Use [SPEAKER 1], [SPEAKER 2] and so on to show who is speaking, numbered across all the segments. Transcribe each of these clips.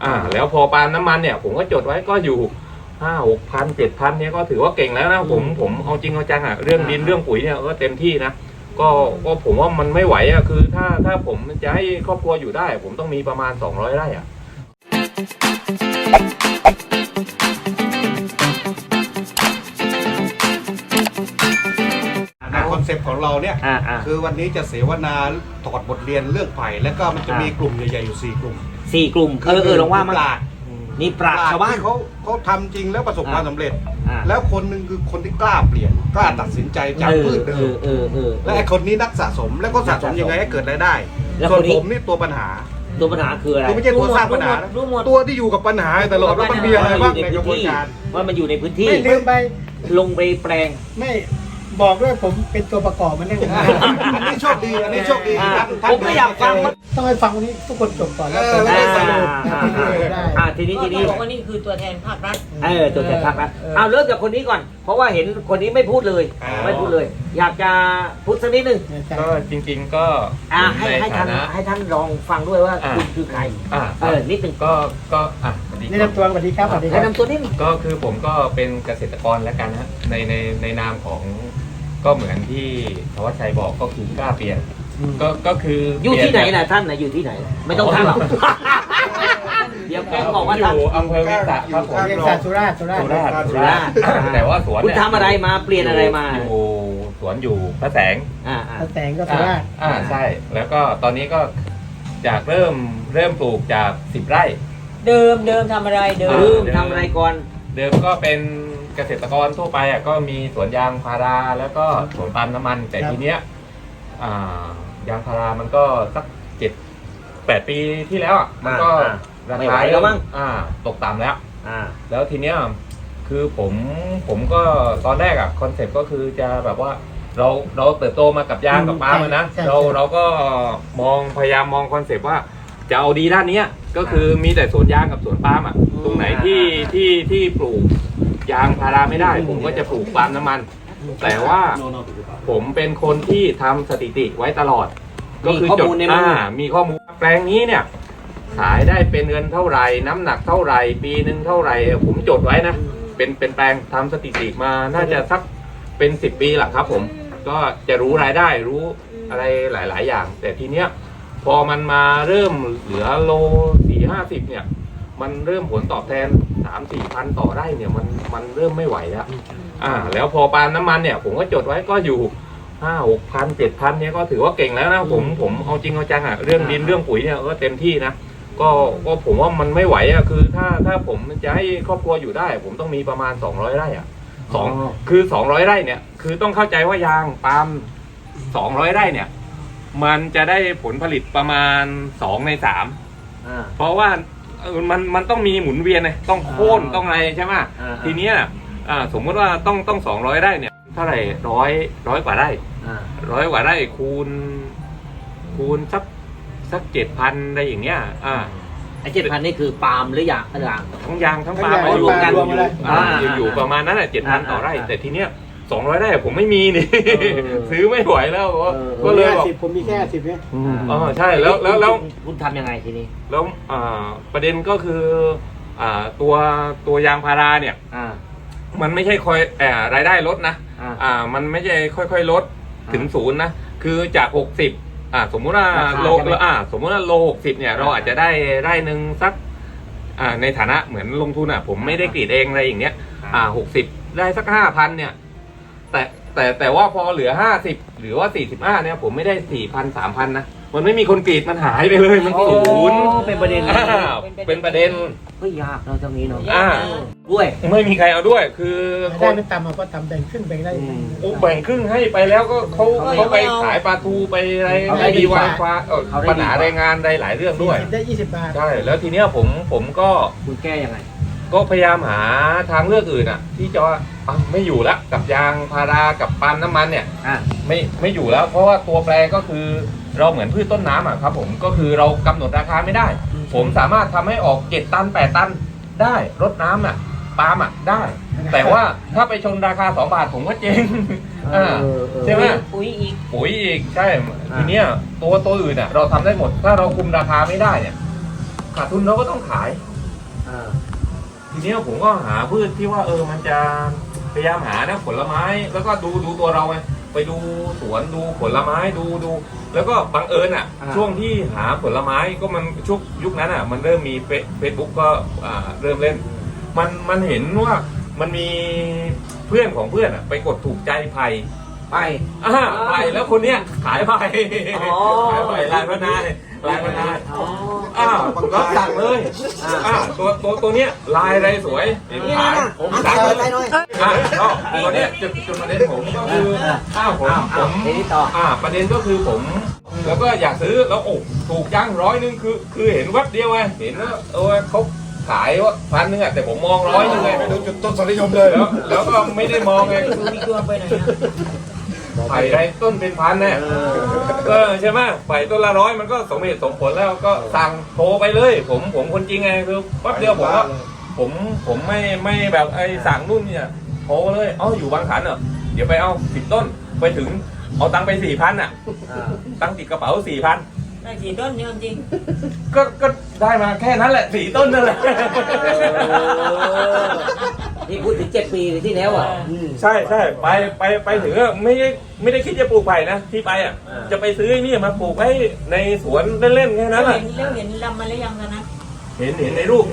[SPEAKER 1] แล้วพอปาล์มน้ำมันเนี่ยผมก็จดไว้ก็อยู่5-6 พัน7,000เนี่ยก็ถือว่าเก่งแล้วนะผมเอาจริงเอาจังเรื่องดินเรื่องปุ๋ยเนี่ยก็เต็มที่นะก็ผมว่ามันไม่ไหวคือถ้าผมจะให้ครอบครัวอยู่ได้ผมต้องมีประมาณ200 ไร่
[SPEAKER 2] คอนเซปต์ของเราเนี่ยคือวันนี้จะเสวนาถอดบทเรียนเรื่องไผ่แล้วก็มันจะมีกลุ่มใหญ่ๆอยู่4 กลุ่ม
[SPEAKER 3] ลองว่ามานี่ปราชญ์ชาวบ้าน
[SPEAKER 2] เขาทำจริงแล้วประสบความสำเร็จแล้วคนหนึ่งคือคนที่กล้าเปลี่ยนกล้าตัดสินใจจากพืชเดิมและไอ้คนนี้นักสะสมแล้วก็สะสมยังไงให้เกิดรายได้ส่วนผมนี่ตัวปัญหา
[SPEAKER 3] คืออะไร
[SPEAKER 2] ไม่ใช่ตัวสร้างปัญหาตัวที่อยู่กับปัญหาตลอดว่ามันมีอะไรบ้างในกระบวนการ
[SPEAKER 3] ว่ามันอยู่ในพื้นที่
[SPEAKER 4] ไม่ลืมไป
[SPEAKER 3] ลงไปแปลง
[SPEAKER 4] ไม่บอกด้วยผมเป็นตัวประกอบมันได้
[SPEAKER 2] อันนี้โชคดี
[SPEAKER 3] ผมก็อยากฟัง
[SPEAKER 4] ต้องให้ฟังวันนี้ทุกคนจบก่อนแล้ว
[SPEAKER 3] ทีนี้
[SPEAKER 5] บอกว่านี่คือตัวแทนภาครัฐ
[SPEAKER 3] ตัวแทนภาครัฐเริ่มจากคนนี้ก่อนเพราะว่าเห็นคนนี้ไม่พูดเลยอยากจะพูดสักนิดนึง
[SPEAKER 1] ก็จริงๆก็
[SPEAKER 3] ให้ท่านลองฟังด้วยว่าคุณคือใครนิดนึง
[SPEAKER 1] ก็
[SPEAKER 4] แนะนำตัวสวัสดีครับ
[SPEAKER 3] แนะนำตัวนิดนึง
[SPEAKER 1] ก็คือผมก็เป็นเกษตรกรแล้วกันนะในนามของก็เหมือนที่ธวัชชัยบอกก็คือกล้าเปลี่ยนก็คือ
[SPEAKER 3] อยู่ที่ไหนนะท่านนะอยู่ที่ไหนไม่ต้องท่านหรอกเดี๋ยวแกบอกว่า
[SPEAKER 1] อยู่อำเภอวิสาครับผม
[SPEAKER 4] สุราษฎร์
[SPEAKER 1] แต่ว่าสวน
[SPEAKER 3] คุณทำอะไรมาเปลี่ยนอะไรมา
[SPEAKER 1] อยู่สวนอยู่พระแสง
[SPEAKER 4] พระแสงก็สุราษฎร์
[SPEAKER 1] ใช่แล้วก็ตอนนี้ก็จากเริ่มปลูกจาก10 ไร่
[SPEAKER 5] เดิมทำอะไรเดิ
[SPEAKER 3] มทำอะไรก่อน
[SPEAKER 1] เดิมก็เป็นเกษตรกรทั่วไปก็มีสวนยางพาราแล้วก็สวนปาล์มน้ำมันแต่ทีเนี้ยยางพารามันก็สัก7-8 ปีที่แล้วมันก็ราคาแล้วมั้งตกต่ำแล้วทีเนี้ยคือผมก็ตอนแรกคอนเซ็ปต์ก็คือจะแบบว่าเราเติบโตมากับยางกับปาล์มนะเราก็พยายามมองคอนเซ็ปต์ว่าจะเอาดีด้านนี้ก็คือมีแต่สวนยางกับสวนปาล์มตรงไหนที่ปลูกยางพาราไม่ได้ผมก็จะปลูกปาล์มน้ำมันแต่ว่าผมเป็นคนที่ทำสถิติไว้ตลอดก็คือจดมีข้อมูลแปลงนี้เนี่ยขายได้เป็นเงินเท่าไหร่น้ำหนักเท่าไหร่ปีนึงเท่าไหร่ผมจดไว้นะเป็นแปลงทำสถิติมาน่าจะสักเป็น10 ปีแหละครับผมก็จะรู้รายได้รู้อะไรหลายๆอย่างแต่ทีเนี้ยพอมันมาเริ่มเหลือโล40-50เนี่ยมันเริ่มผลตอบแทน3-4 พันต่อไร่เนี่ยมันเริ่มไม่ไหวแล้วแล้วพอปาล์มน้ำมันเนี่ยผมก็จดไว้ก็อยู่5-6 พัน7,000เนี่ยก็ถือว่าเก่งแล้วนะผมเอาจริงเอาจังเรื่องดินเรื่องปุ๋ยเนี่ยก็เต็มที่นะก็ผมว่ามันไม่ไหวคือถ้าผมจะให้ครอบครัวอยู่ได้ผมต้องมีประมาณ200 ไร่คือ200 ไร่เนี่ยคือต้องเข้าใจว่ายางปาล์ม200 ไร่เนี่ยมันจะได้ผลผลิตประมาณ2 ใน 3เพราะว่ามันต้องมีหมุนเวียนเลยต้องโค่นต้องอะไรใช่ไหมทีเนี้ยสมมติว่าต้อง200 ไร่เนี่ยเท่าไหร่ร้อยกว่าไร่100 กว่าไร่คูณสัก7,000อะไรอย่างเงี้ย
[SPEAKER 3] ไอ้7,000นี่คือปาล์มหรือยาง
[SPEAKER 1] ทั้งยางทั้งปาล์มรวมกันอยู่ประมาณนั้นแหละ7,000ต่อไร่แต่ทีเนี้ย200 ไร่ผมไม่มีนี่ซื้อไม่ไหวแล้วก็เลยบอก
[SPEAKER 4] ผมมีแค่10เนี่ย
[SPEAKER 1] ใช่แล้ว
[SPEAKER 3] คุณทำยังไงทีนี้
[SPEAKER 1] แล้วประเด็นก็คือตัวยางพาราเนี่ยมันไม่ใช่คอยรายได้ลดนะมันไม่ใช่ค่อยๆลดถึง0นะคือจาก60สมมุติว่าโล60เนี่ยเราอาจจะได้ไร่นึงสักในฐานะเหมือนลงทุนผมไม่ได้กรีดเองอะไรอย่างเงี้ย60ได้สัก 5,000เนี่ยแต่ว่าพอเหลือ50หรือว่า45เนี่ยผมไม่ได้ 4,000 3,000นะมันไม่มีคนกรีดมันหายไปเลยมัน0
[SPEAKER 3] เป็นประเด็น
[SPEAKER 1] เป็นประเด็น
[SPEAKER 3] ก็ยากเราตรงนี้เนาะด้วย
[SPEAKER 1] ไม่มีใครเอาด้วยคือ
[SPEAKER 4] ได้ไม่ตามมาก็ทำแบ่งครึ่งแบ่งได้
[SPEAKER 1] แบ่งครึ่งให้ไปแล้วก็เขาไปขายปลาทูไปอะไรไม่ดีวางฟ้าปัญหาแรงงานได้หลายเรื่องด้วย
[SPEAKER 4] ได้20 บาท
[SPEAKER 1] ใช่แล้วทีเนี้ยผมก็
[SPEAKER 3] คุณแก้ยังไง
[SPEAKER 1] ก็พยายามหาทางเลือกอื่นที่จะไม่อยู่แล้วกับยางพารากับปาล์มน้ำมันเนี่ยไม่อยู่แล้วเพราะว่าตัวแปรก็คือเราเหมือนพืชต้นน้ำครับผมก็คือเรากำหนดราคาไม่ได้ผมสามารถทำให้ออก7 ตัน 8 ตันได้รดน้ำปาล์มได้แต่ว่าถ้าไปชนราคา2 บาทผมก็เจ๊งใช่ไหม
[SPEAKER 5] ปุ๋ย
[SPEAKER 1] อีกใช่ทีเนี้ยตัวอื่นเราทำได้หมดถ้าเราคุมราคาไม่ได้เนี่ยขาดทุนเราก็ต้องขายทีเนี้ยผมก็หาพืชที่ว่ามันจะพยายามหานะผลไม้แล้วก็ดูตัวเราไงไปดูสวนดูผลไม้ดูแล้วก็บังเอิญช่วงที่หาผลไม้ก็มันช่วงยุคนั้นมันเริ่มมีเฟซบุ๊กก็เริ่มเล่นมันเห็นว่ามันมีเพื่อนของเพื่อนไปกดถูกใจไผ่ไผ่แล้วคนเนี้ยขายไผ่ขายไผ่ลายพนายก็สั่งเลยตัวเนี้ยลายอะไรสวยขายผมสั่งเลยตัวเนี้ยจุดประเด็นผมก็คือผมประเด็นก็คือผมแล้วก็อยากซื้อแล้วถูกจัง100คือเห็นแวบเดียวไงเห็นว่าเขาขายว่า1,000แต่ผมมอง100ไงไปดูจุดต้นสนิยมเลยแล้วก็ไม่ได้มองไง
[SPEAKER 5] ดูมีตัวไปไหนนะ
[SPEAKER 1] ไผ่ไรต้นเป็นพันเนี่ยใช่ไหมไผ่ต้นละ100มันก็สมเหตุสมผลแล้วก็สั่งโทรไปเลยผมคนจริงไงคือแป๊บเดียวผมไม่แบบสั่งนู่นเนี่ยโทรเลยอยู่บางขันเดี๋ยวไปเอา10 ต้นไปถึงเอาตังค์ไป 4,000ตังค์ติดกระเป๋า 4,000
[SPEAKER 5] ได้4 ต้นเนี่ยจริง
[SPEAKER 1] ก็ได้มาแค่นั้นแหละ4 ต้นนั่นแหละ
[SPEAKER 3] นี่พูดถึง7 ปีที่แล้ว
[SPEAKER 1] ใช่ไปถึงไม่ได้คิดจะปลูกไผ่นะที่ไปจะไปซื้อนี่มาปลูกไว้ในสวนเล่นๆแค่นั้นแหละ
[SPEAKER 5] เห็นลำมันแล้วยังกันนะ
[SPEAKER 1] เห็นในรูป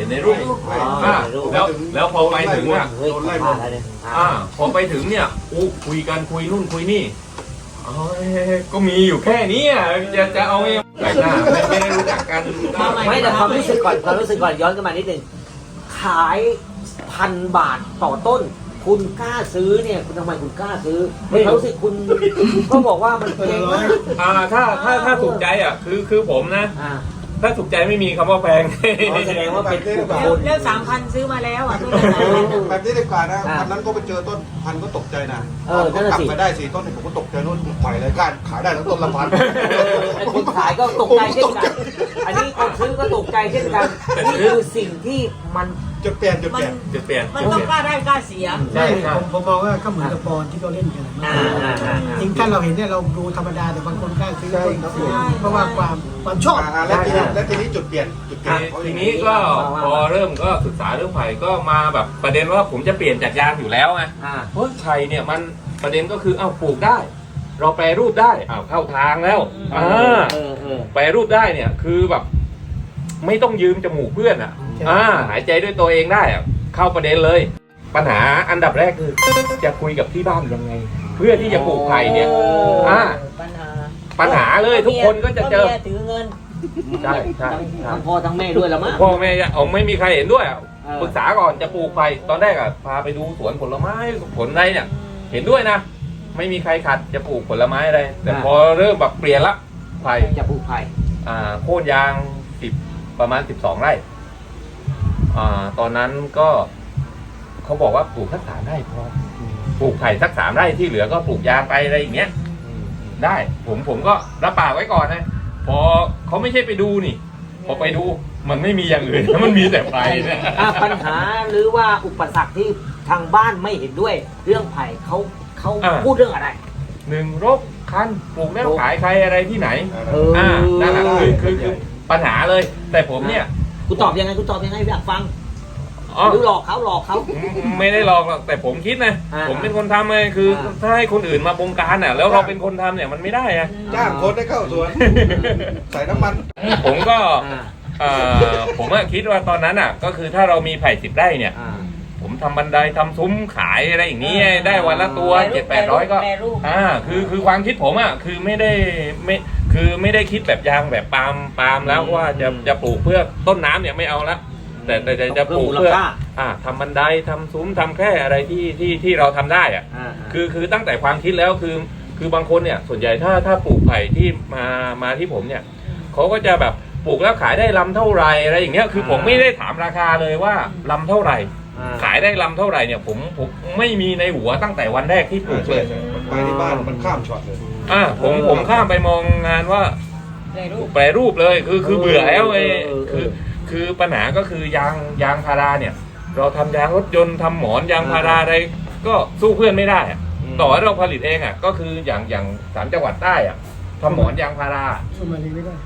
[SPEAKER 1] แล้วพอไปถึงพอไปถึงเนี่ยคุยกันคุยนู่นคุยนี่ก็มีอยู่แค่นี้จะเอาแต่หน้าไม่ได้รู้จักกัน
[SPEAKER 3] ไม่แต่ความรู้สึกก่อนย้อนกันมานิดนึงขาย1,000 บาทต่อต้นคุณกล้าซื้อเนี่ยคุณทำไมคุณกล้าซื้อไม่รู้สึกคุณก็บอกว่ามันแพงมาก
[SPEAKER 1] ถ้าถูกใจคือผมนะถ้าถูกใจไม่มีคำว่าแพง
[SPEAKER 3] แสดงว่าเป็นผู้คน
[SPEAKER 5] แล้ว3,000ซื้อมาแล้ว
[SPEAKER 2] แบบนี้ดีกว่านะวันนั้นก็ไปเจอต้นพันก็ตกใจนะก็กลับมาได้4 ต้นผมก็ตกใจนู่นปล่อยเลยการขายได้แล้วต้นละ1,000
[SPEAKER 3] คนขายก็ตกใจเช่นกันอันนี้คนซื้อก็ตกใจเช่นกันนี่คือสิ่งที่มัน
[SPEAKER 2] จุดเปลี่ยน
[SPEAKER 5] มันต้องกล้าได้กล้าเสีย
[SPEAKER 4] ใช่ผมมองว่าก็เหมือนกับบอลที่เราเล่นกันจริงถ้าเราเห็นเนี่ยเราดูธรรมดาแต่บางคนกล้าซื้อเพราะว่าความชอบ
[SPEAKER 2] และทีนี้จุดเปลี่ยน
[SPEAKER 1] ทีนี้ก็พอเริ่มก็ศึกษาเรื่องไผ่ก็มาแบบประเด็นว่าผมจะเปลี่ยนจากยางอยู่แล้วไงเพราะไผ่เนี่ยมันประเด็นก็คือปลูกได้เราแปรรูปได้เข้าทางแล้วแปรรูปได้เนี่ยคือแบบไม่ต้องยืมจมูกเพื่อนหายใจด้วยตัวเองได้เข้าประเด็นเลยปัญหาอันดับแรกคือจะคุยกับที่บ้านยังไงเพื่อที่จะปลูกไผ่เนี่ยปัญหาเลยทุกคนก็จะเจอ
[SPEAKER 5] ถือเงิน
[SPEAKER 1] ใช่
[SPEAKER 3] ทั้งพ่อทั้งแม่ด้วยแล้วมั้ง
[SPEAKER 1] พ่อแม่ไม่มีใครเห็นด้วยปรึกษาก่อนจะปลูกไผ่ตอนแรกพาไปดูสวนผลไม้ผลอะไรเนี่ยเห็นด้วยนะไม่มีใครขัดจะปลูกผลไม้อะไรแต่พอเริ่มแบบเปลี่ยนละไผ่
[SPEAKER 3] จะปลูกไผ่
[SPEAKER 1] โค่นยางประมาณ12 ไร่ตอนนั้นก็เขาบอกว่าปลูกสัก3 ไร่พอปลูกไผ่สัก3 ไร่ที่เหลือก็ปลูกยางไปอะไรอย่างเงี้ยได้ผมก็รับปากไว้ก่อนนะพอเขาไม่ใช่ไปดูนี่พอไปดูมันไม่มีอย่างอื่นมันมีแต่ไผ่เนี่ย
[SPEAKER 3] ปัญหาหรือว่าอุปสรรคที่ทางบ้านไม่เห็นด้วยเรื่องไผ่เขาพูดเรื่องอะไร
[SPEAKER 1] 1 รกคันปลูกแล้วขายใครอะไรที่ไหนนั่นแหละคือปัญหาเลยแต่ผมเนี่ย
[SPEAKER 3] คุณตอบยังไงอยากฟังหรือหลอกเขา
[SPEAKER 1] ไม่ได้หลอกหรอกแต่ผมคิดนะผมเป็นคนทำเลยคือถ้าให้คนอื่นมาบงการแล้วเราเป็นคนทำเนี่ยมันไม่ได้
[SPEAKER 2] จ้างคนให้เข้าสวนใส่น้ำมัน
[SPEAKER 1] ผมก็ผมคิดว่าตอนนั้นก็คือถ้าเรามีไผ่10 ไร่เนี่ยผมทำบันไดทำซุ้มขายอะไรอย่างนี้ได้วันละตัว 700-800ก็คือความคิดผมคือไม่ได้คิดแบบยางแบบปาล์มแล้วว่าจะปลูกเพื่อต้นน้ำเนี่ยไม่เอาละแต่จะปลูกเพื่อทำบันไดทำซุ้มทำแค่อะไรที่เราทำได้คือตั้งแต่ความคิดแล้วคือบางคนเนี่ยส่วนใหญ่ถ้าปลูกไผ่ที่มาที่ผมเนี่ยเขาก็จะแบบปลูกแล้วขายได้ลำเท่าไรอะไรอย่างเงี้ยคือผมไม่ได้ถามราคาเลยว่าลำเท่าไหร่ขายได้ลำเท่าไหร่เนี่ยผมไม่มีในหัวตั้งแต่วันแรกที่ปลูกเลย
[SPEAKER 2] ไปที่บ้านมันข้ามช็อตเลย
[SPEAKER 1] ผมข้ามไปมองงานว่าแปรรูปเลยคือเบื่อแล้วคือปัญหาก็คือยางพาราเนี่ยเราทำยางรถยนต์ทำหมอนยางพาราอะไรก็สู้เพื่อนไม่ได้ต่อให้เราผลิตเองก็คืออย่าง3 จังหวัดใต้ทำหมอนยางพารา
[SPEAKER 4] สู้มาลีไม่ได้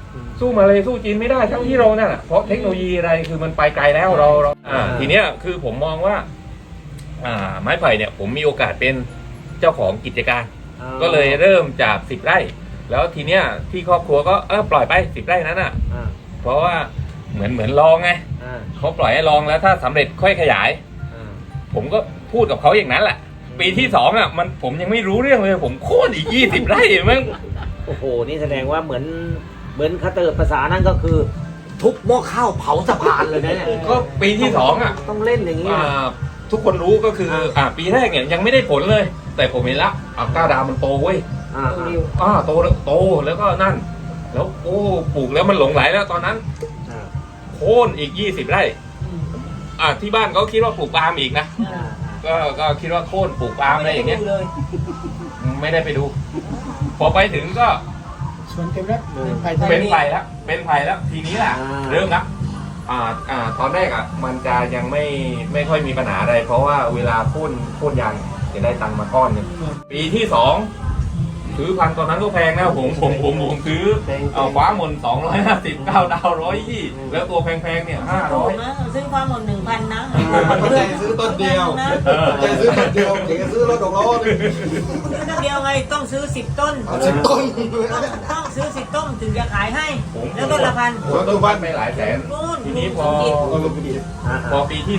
[SPEAKER 1] สู้มาเลยสู้จีนไม่ได้ทั้งที่เราเนี่ยเพราะเทคโนโลยีอะไรคือมันไปไกลแล้วเราทีเนี้ยคือผมมองว่าไม้ไผ่เนี่ยผมมีโอกาสเป็นเจ้าของกิจการ ก็เลยเริ่มจาก10 ไร่แล้วทีเนี้ยที่ครอบครัวก็ปล่อยไป10 ไร่นั้นอ่ะเพราะว่าเหมือนลองไงเขาปล่อยให้ลองแล้วถ้าสำเร็จค่อยขยายผมก็พูดกับเขาอย่างนั้นแหละปีที่2อ่ะผมยังไม่รู้เรื่องเลยผมโค่นอีก20 ไร่มั้ง
[SPEAKER 3] โอ้โหนี่แสดงว่าเหมือนคาเตอร์ภาษานั่นก็คือ ทุบหม้อข้าวเผาสะพานเลยนะเนี่ย
[SPEAKER 1] ก็ปีที่2อ่ะ
[SPEAKER 3] ต้องเล่นอย่างนี้นะ
[SPEAKER 1] ทุกคนรู้ก็คือปีแรกเนี่ยยังไม่ได้ผลเลย แต่ผมเห็นละ9 ดาวมันโตเว้ยโตแล้วก็นั่น แล้วปลูกแล้วมันหลงไหลแล้วตอนนั้นโค่นอีก20 ไร่ที่บ้านเขาคิดว่าปลูกปาล์มอีกนะก็คิดว่าโค่นปลูกปาล์มอะไรอย่างเงี้ยไม่ได้ไปดู พอไปถึงก็
[SPEAKER 4] สวนเต็มแล้ว
[SPEAKER 1] เป็นไผ่แล้วทีนี้แหละเริ่มละตอนแรกมันจะยังไม่ค่อยมีปัญหาอะไร เพราะว่าเวลาโค่นยางจะได้ตังค์มาก้อนหนึงปีที่2ซื้อพันตอนนั้นก็แพงนะผมซื้อฟ้าหม่น250 9 ดาว120แล้วตัวแพงๆเนี่ย
[SPEAKER 5] ถูกนะซื้อความหมด1,000 นะ
[SPEAKER 2] ใจซื้อต้นเดียวใจซื้อต้นเดียวถึงจะซื้อรถ6 ล้อ
[SPEAKER 5] ซื้อต้นเดียวไงต้องซื้อ10 ต้น
[SPEAKER 2] 10 ต้น
[SPEAKER 5] ต้องซื้อ10 ต้นถึงจะขายให้แล้วต้นละพัน
[SPEAKER 1] ผมซื้อบ้านไปหลายแสนทีนี้พอปีที่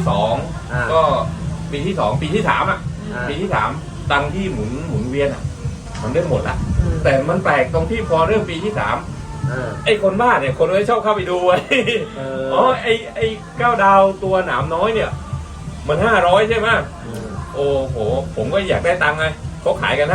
[SPEAKER 1] 2ก็ปีที่2ปีที่3ปีที่3ตังค์ที่หมุนเวียนมันเริ่มหมดละแต่มันแปลกตรงที่พอเริ่มปีที่3ไอ้คนบ้าเนี่ยคนไม่ชอบเข้าไปดูไว้ไอ้9 ดาวตัวหนามน้อยเนี่ยมัน500ใช่ไหมโอ้โหผมก็อยากได้ตังค์ไงเขาขายกัน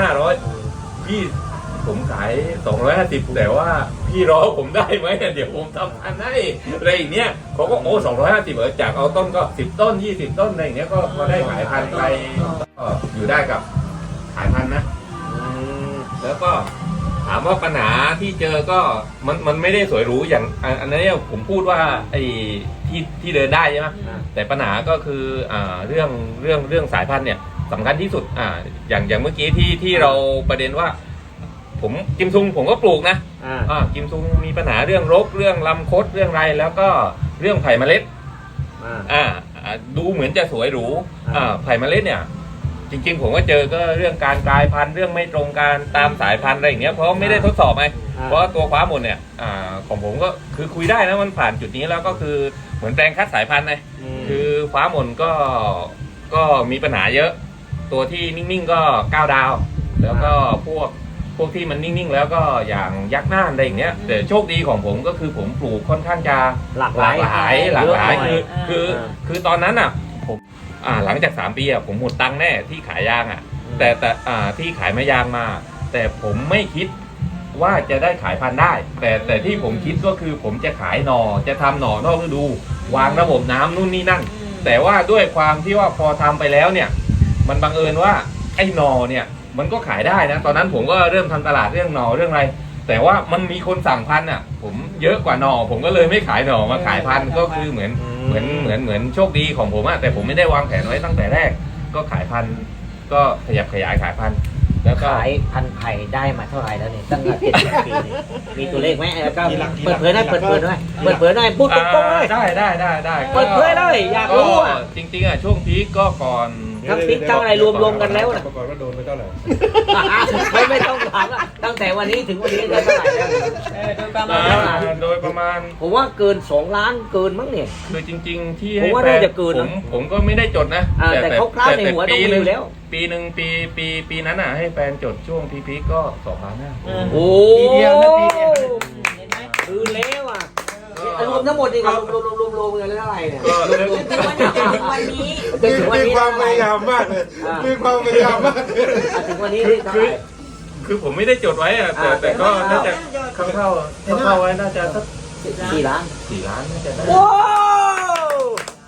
[SPEAKER 1] 500พี่ผมขาย250แต่ว่าพี่รอผมได้ไหมเดี๋ยวผมทำพันให้อะไรอย่างเนี้ยเขาก็250จากเอาต้นก็10 ต้น20 ต้นอะไรอย่างเงี้ยก็พอได้ขายพันไปก็อยู่ได้กับขายพันนะแล้วก็ถามว่าปัญหาที่เจอก็มันไม่ได้สวยหรูอย่างอันนี้ผมพูดว่าไอ้ที่เดินได้ใช่ไหมแต่ปัญหาก็คือเรื่องสายพันธุ์เนี่ยสำคัญที่สุดอย่างเมื่อกี้ที่เราประเด็นว่าผมกิมซุงผมก็ปลูกนะกิมซุงมีปัญหาเรื่องรกเรื่องลำคดเรื่องไรแล้วก็เรื่องไผ่เมล็ดดูเหมือนจะสวยหรูไผ่เมล็ดเนี่ยจริงๆผมก็เจอก็เรื่องการกลายพันธุ์เรื่องไม่ตรงการตามสายพันธุ์อะไรอย่างเงี้ยเพราะไม่ได้ทดสอบไงเพราะตัวฟ้าหมดเนี่ยของผมก็คือคุยได้นะมันผ่านจุดนี้แล้วก็คือเหมือนแปลงคัดสายพันธุ์ไงคือฟ้าหมดก็มีปัญหาเยอะตัวที่นิ่งๆก็9 ดาวแล้วก็พวกที่มันนิ่งๆแล้วก็อย่างยักษ์น่านอะไรอย่างเงี้ยแต่โชคดีของผมก็คือผมปลูกค่อนข้างจะหลากหลายคือตอนนั้นผมหลังจาก3 ปีผมหมดตังค์แน่ที่ขายยางแต่ที่ขายไม้ยางมาแต่ผมไม่คิดว่าจะได้ขายพันธุ์ได้แต่ที่ผมคิดก็คือผมจะขายหน่อจะทำหน่อนอกฤดูวางระบบน้ำนู่นนี่นั่นแต่ว่าด้วยความที่ว่าพอทำไปแล้วเนี่ยมันบังเอิญว่าไอ้หน่อเนี่ยมันก็ขายได้นะตอนนั้นผมก็เริ่มทำตลาดเรื่องหน่อเรื่องอะไรแต่ว่ามันมีคนสั่งพันธุ์ผมเยอะกว่าหน่อผมก็เลยไม่ขายหน่อมาขายพันธุ์ก็คือเหมือนโชคดีของผมแต่ผมไม่ได้วางแผนไว้ตั้งแต่แรกก็ขายพันธุ์ก็ขยับขยายขายพันธุ์แล้วก็
[SPEAKER 3] ขายพันธุ์ไผ่ได้มาเท่าไหร่แล้วเนี่ยตั้งแต่70 ปีเนี่ยมีตัวเลขไหมแล้วก็เปิดเผยหน่อยพูดตรงๆเลย
[SPEAKER 1] ได้
[SPEAKER 3] เปิดเผยเลยอยากรู้
[SPEAKER 1] จริงๆช่วงพีคก็ก่อน
[SPEAKER 3] ทั้งพริกทั้งอะไรรวมกันแล้วนะ
[SPEAKER 2] ก่อนว่าโดนไปเท่าไหร่
[SPEAKER 3] ไม่ต้องถามละตั้งแต่วันนี้ถึงวันนี้ได้เท่าไหร่แล้ว
[SPEAKER 1] โดยประมาณ
[SPEAKER 3] ผมว่าเกิน2 ล้านเกินมั้งเนี่ย
[SPEAKER 1] คือจริงๆที่
[SPEAKER 3] ผมว่าน่าจะเกินนะ
[SPEAKER 1] ผมก็ไม่ได้จดนะ
[SPEAKER 3] แต่คร่าวๆในหัวต้องมีอยู่แล้ว
[SPEAKER 1] ปีหนึ่งปีนั้นให้แฟนจดช่วงพีคก็2 ล้านนะ
[SPEAKER 3] โอ้
[SPEAKER 4] ปีเดียวนะปีเดียว
[SPEAKER 5] เห็นไหม
[SPEAKER 3] คือแล้วรวมทั้งหมดนี่ครับรวมกันเท่าไหร่เนี่ย
[SPEAKER 5] ถึงวันนี้
[SPEAKER 2] มีความพยายามมากเลยมีความพยายามมากเลย
[SPEAKER 3] ถึงวันนี้เท่าไหร่
[SPEAKER 1] คือผมไม่ได้จดไว้แต่ก็น่าจะเข้าไว้น่าจะสัก
[SPEAKER 3] 4 ล้าน
[SPEAKER 1] 4 ล้านน่าจะได้
[SPEAKER 3] ว้าว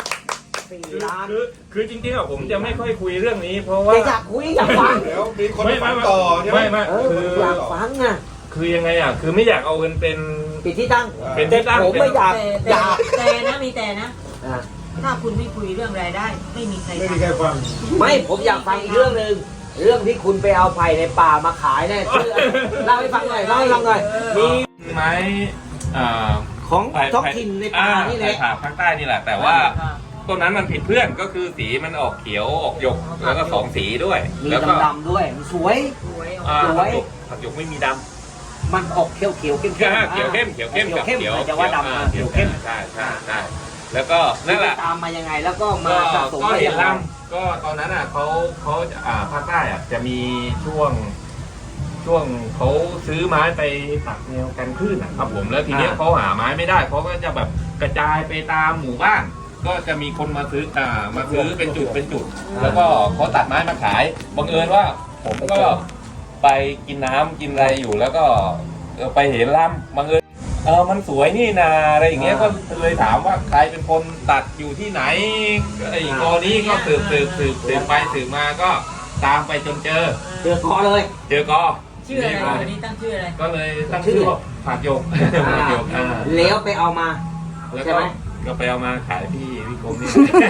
[SPEAKER 3] 4 ล้าน
[SPEAKER 1] คือจริงๆผมจะไม่ค่อยคุยเรื่องนี้เพราะว่า
[SPEAKER 3] อยากคุยอยากฟัง
[SPEAKER 2] เดี๋ยวมีคนฟังต่อใช่ไหม
[SPEAKER 1] ไม่
[SPEAKER 3] อยากฟัง
[SPEAKER 1] คือยังไงคือไม่อยากเอาเงินเป็น
[SPEAKER 3] ที่ตั้ง
[SPEAKER 1] เป็นที่ตั้ง
[SPEAKER 3] ผมไม่อยาก
[SPEAKER 5] แต่นะมีแต่นะถ้าคุณไม่คุยเรื่องรายได้ไม่มีใคร
[SPEAKER 2] ฟัง
[SPEAKER 3] ไม่ผมอยากฟังอีกเรื่องนึงเรื่องที่คุณไปเอาไผ่ในป่ามาขายเนี่ยชื่อเล่าให้ฟังหน่อยมี
[SPEAKER 1] ไม้อ่า
[SPEAKER 3] ของท้องถิ่นในป่านี่แหละ
[SPEAKER 1] ผ่าภาคใต้นี่แหละ แต่ว่าต้นนั้นมันผิดเพื่อนก็คือสีมันออกเขียวออกหยกแล้วก็2 สีด้วย
[SPEAKER 3] มี
[SPEAKER 1] แล้วก็
[SPEAKER 3] ดำๆด้วยมันสวย
[SPEAKER 5] สวย
[SPEAKER 1] อ่า
[SPEAKER 3] สวย
[SPEAKER 1] ผักหยกไม่มีดำ
[SPEAKER 3] มันออกเขียวเขียวเข้ม
[SPEAKER 1] เขียวเข้มเขียวเข้มกับ
[SPEAKER 3] เข้ม
[SPEAKER 1] เขียว
[SPEAKER 3] จะว่าดำเขียวเข้ม
[SPEAKER 1] ใช่แล้วก็นั่นแหละ
[SPEAKER 3] ตามมายังไงแล้วก็มาสะสม
[SPEAKER 1] ก็
[SPEAKER 3] ไป
[SPEAKER 1] เห็
[SPEAKER 3] ยั
[SPEAKER 1] น
[SPEAKER 3] งไง
[SPEAKER 1] ลำก็ตอนนั้นอ่ะเขาภาคใต้อ่ะจะมีช่วงเขาซื้อไม้ไปตัดแนวกันคลื่นอ่ะครับผมแล้วทีเนี้ยเขาหาไม้ไม่ได้เขาก็จะแบบกระจายไปตามหมู่บ้าน ก็จะมีคนมาซื้อเป็นจุดแล้วก็เขาตัดไม้มาขายบังเอิญว่าผมก็ไปกินน้ำกินอะไรอยู่แล้วก็ไปเห็นลำบังเอิญมันสวยนี่นาอะไรอย่างเงี้ยก็เลยถามว่าใครเป็นคนตัดอยู่ที่ไหนไอ้กอนี้ก็สืบไปสืบมาก็ตามไปจนเจอ
[SPEAKER 3] เจอคอเลย
[SPEAKER 1] เจอกอ
[SPEAKER 5] ชื่ออะไรวันนี้ตั้งชื่ออะไร
[SPEAKER 1] ก็เลยตั้งชื่อว่าผักหยกผักหยก
[SPEAKER 3] แล้วไปเอามา
[SPEAKER 1] แล้ว
[SPEAKER 3] ใช่ไหม
[SPEAKER 1] ก็ไปเอามาขายพี่คมนี่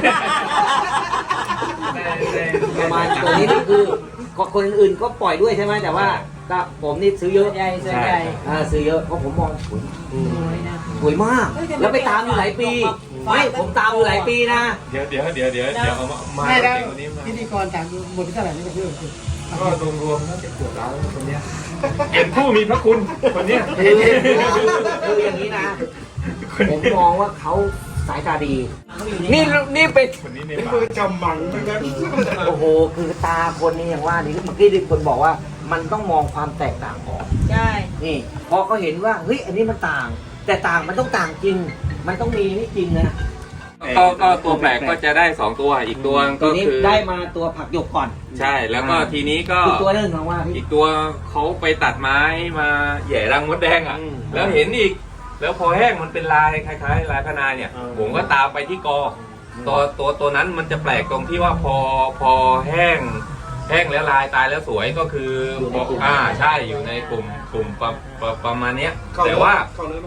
[SPEAKER 3] ประมาณตัวนี้นี่คือคนอื่นก็ปล่อยด้วยใช่ไหมแต่ว่าก็ผมนี่ซื้อเยอะ
[SPEAKER 5] ใหญ่ส่วนใหญ่
[SPEAKER 3] ซื้อเยอะเพราะผมมองสวย
[SPEAKER 5] สวยนะ
[SPEAKER 3] สวยมาก แล้วไปตามอยู่หลายปีไม่ผมตามอยู่หลายปีนะ
[SPEAKER 1] เดี๋ยวเอามา
[SPEAKER 4] ไม่แล้ว
[SPEAKER 1] เก่งกว่านี้มา
[SPEAKER 4] พิธีกรถามหมดที่เท่าไหร่นี่ก็คือ
[SPEAKER 1] ก็รวมๆน่าจะเกือบล้านคนเนี้ยเป็นผู้มีพระคุณคนเนี้ย
[SPEAKER 3] คืออย่างนี้นะผมมองว่าเขาสายตาดี นี่เป็น
[SPEAKER 1] คนนี้ใน
[SPEAKER 2] เป็น
[SPEAKER 1] ป่า
[SPEAKER 2] มือจำมังนะครับ
[SPEAKER 3] โอ้โหคือตาคนนี้อย่างว่านี่เมื่อกี้ที่คนบอกว่ามันต้องมองความแตกต่างออก
[SPEAKER 5] ใช่
[SPEAKER 3] นี่พอเขาเห็นว่าเฮ้ยอันนี้มันต่าง แต่ต่างมันต้องต่างจริง มันต้องมีนี่จริงนะ
[SPEAKER 1] ก็ตัวแปลกก็จะได้2ตัวอีกตัว
[SPEAKER 3] ตั
[SPEAKER 1] ก็
[SPEAKER 3] วนี้
[SPEAKER 1] คือ
[SPEAKER 3] ได้มาตัวผักหยกก่อน
[SPEAKER 1] ใช่แล้วก็ทีนี้ก็
[SPEAKER 3] อีกตัวหนึงของว่าพี่
[SPEAKER 1] อีกตัวเขาไปตัดไม้มาแหย่รังมดแดงอ่ะ
[SPEAKER 3] อืม
[SPEAKER 1] แล้วเห็นอีก แล้วพอแห้งมันเป็นลายคล้ายๆลายพนายเนี่ย ผมก็ตามไปที่กอตัวนั้นมันจะแปลกตรงที่ว่าพอแห้งแล้วลายตายแล้วสวยก็คือใช่อยู่ในกลุ่มประมาณเนี้ยแต่ว่า
[SPEAKER 2] เข้าเนื้อไหม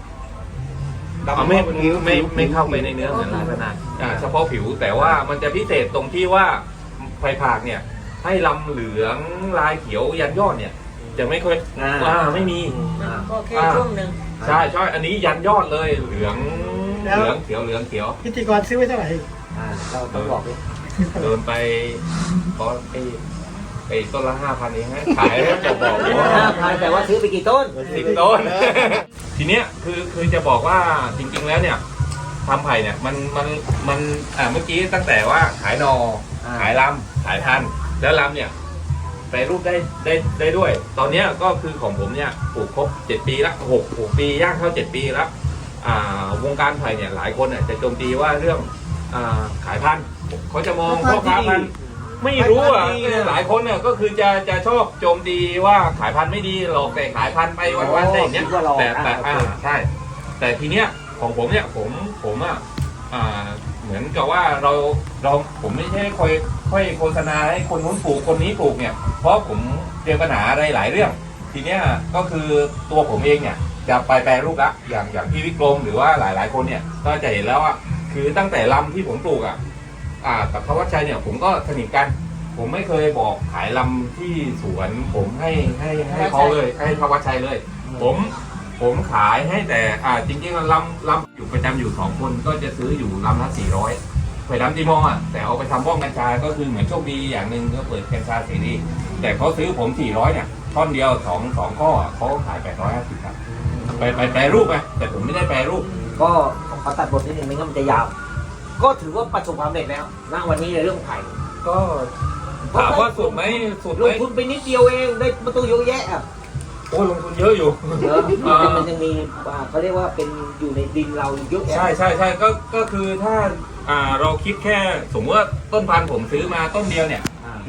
[SPEAKER 1] ไม่เข้าไปในเนื้อเหมือนลายพนายเฉพาะผิวแต่ว่ามันจะพิเศษตรงที่ว่าไฟผากเนี่ย ให้ลำเหลืองลายเขียวยันยอดเนี่ย จะไม่ค่อยไม่มี
[SPEAKER 5] มันก็แค่ช่วงหนึ่ง
[SPEAKER 1] ใช่อันนี้ยันยอดเลยเหลืองเขียว
[SPEAKER 4] พิธีกรซื้อไว้เท่าไหร่
[SPEAKER 3] เราต้องบอกดิ
[SPEAKER 1] โดนไปตอนไอ้ต้นละ 5,000เองฮะขายแล้วจะบอกว่า
[SPEAKER 3] 5,000แต่ว่าซื้อไปกี่ต้น
[SPEAKER 1] 10 ต้น ทีเนี้ยคือจะบอกว่าจริงๆแล้วเนี่ยทำไผ่เนี่ยมันเมื่อกี้ตั้งแต่ว่าขายนอขายลำขายพันธุ์แล้วลำเนี่ยแปรรูปได้ด้วย ตอนเนี้ยก็คือของผมเนี่ยปลูกครบ7 ปีละ6 ปีย่างเข้า7 ปีแล้ววงการไผ่เนี่ยหลายคนเนี่ยจะโจมตีว่าเรื่องขายพันธุ์เขาจะมองพ่อค้าพันธุ์ไม่รู้อ่ะหลายคนเนี่ยก็คือจะชอบโจมตีว่าขายพันธุ์ไม่ดีหลอกแต่ขายพันธุ์ไปวันๆอะไรอย่างเงี้ยแต่ใช่ แต่ทีเนี้ยของผมเนี่ยผมเหมือนกับว่าผมไม่ใช่ค่อยโฆษณาให้คนนู้นปลูกคนนี้ปลูกเนี่ยเพราะผมเจอปัญหาอะไรหลายเรื่อง ทีเนี้ยก็คือตัวผมเองเนี่ยจะไปแปรรูปละอย่างพี่วิกรมหรือว่าหลายคนเนี่ยก็จะเห็นแล้วคือตั้งแต่ลำที่ผมปลูกกับธวัชชัยเนี่ยผมก็สนิทกัน ผมไม่เคยบอกขายลำที่สวนผมให้เขาเลยให้ธวัชชัยเลย ผมขายให้แต่จริงๆลำอยู่ประจำอยู่2 คนก็จะซื้ออยู่ลำละ400ไผ่ดำตีมอแต่เอาไปทำบ้องกัญชาก็คือเหมือนโชคดีอย่างหนึ่งก็เปิดกัญชาเสรีแต่เขาซื้อผม400เนี่ยท่อนเดียว2 ข้อเขาขาย850ครับไปแปรรูปไงแต่ผมไม่ได้แปรรูป
[SPEAKER 3] ก็ขอตัดบทนิดนึงไม่งั้นมันจะยาว ก็ถือว่าประสบความสำเร็จแล้วณวันนี้ในเรื่องไผ่
[SPEAKER 1] ก็ถามว่าสุดไหม
[SPEAKER 3] ลงทุนไปนิดเดียวเองได้ประตูเยอะแยะอ่ะ
[SPEAKER 1] โอ้ลงทุนเยอะอยู่
[SPEAKER 3] เยอะมันยังมีเขาเรียกว่าเป็นอยู่ในดินเราเยอะแยะ
[SPEAKER 1] ใช่ก็คือถ้าเราคิดแค่สมมติว่าต้นพันธุ์ผมซื้อมาต้นเดียวเนี่ย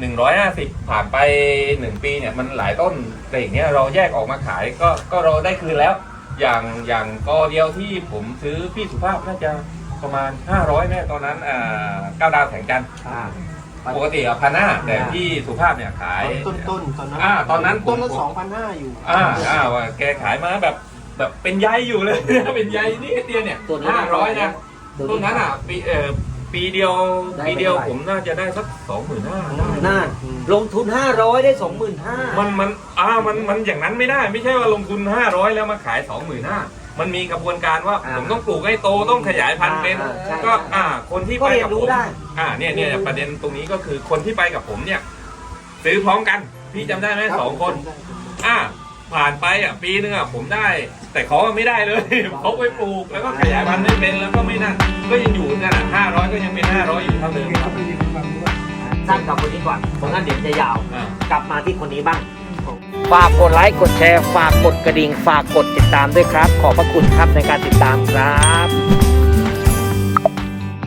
[SPEAKER 1] 150ผ่านไป1 ปีเนี่ยมันหลายต้นแต่อย่างเงี้ยเราแยกออกมาขายก็เราได้คืนแล้ว อย่างกอเดียวที่ผมซื้อพี่สุภาพน่าจะประมาณ500แม่ตอนนั้น9 ดาวแสงจันทร์ปกติ1,500แต่พี่สุภาพเนี่ยขาย
[SPEAKER 2] ต้นตอนนั้น
[SPEAKER 1] ตอนนั้น
[SPEAKER 2] ต้นละ2,500อยู่
[SPEAKER 1] ว่าแกขายมาแบบเป็นใยอยู่เลย เป็นใยนี่เดียวเนี่ย500นะต้นนั้นปีเดียวผมน่าจะได้สัก 25,000
[SPEAKER 3] น่าลงทุน500ได้ 25,000
[SPEAKER 1] มันอย่างนั้นไม่ได้ไม่ใช่ว่าลงทุน500แล้วมาขาย 25,000 มันมีกระบวนการว่าผมต้องปลูกให้โตต้องขยายพันธุ์เป็น
[SPEAKER 3] ใช่
[SPEAKER 1] ก็คนที่
[SPEAKER 3] ก็
[SPEAKER 1] ไป
[SPEAKER 3] เรีย
[SPEAKER 1] กับ
[SPEAKER 3] น
[SPEAKER 1] ผ
[SPEAKER 3] รู้
[SPEAKER 1] ม
[SPEAKER 3] ได้
[SPEAKER 1] เนี่ยประเด็นตรงนี้ก็คือคนที่ไปกับผมเนี่ยซื้อพร้อมกันพี่จำได้ไหม2 คนผ่านไปปีนึงผมได้ แต่เขาไม่ได้เลย เขาไปปลูกแล้วก็ขยายพันธุ์ไม่เป็นแล้วก็ไม่นั่นก็ยังอยู่นั่น500ก็ยังเป็น500อยู่เท่าเดิมครับ
[SPEAKER 3] สร้างกับคนนี้ก่อนเพราะงั้นเดี๋ยวจะยาว
[SPEAKER 1] อ่า
[SPEAKER 3] กลับมาที่คนนี้บ้าง ฝากกดไลค์ กดแชร์ ฝากกดกระดิ่ง ฝากกดติดตามด้วยครับ ขอบพระคุณครับในการติดตามครับ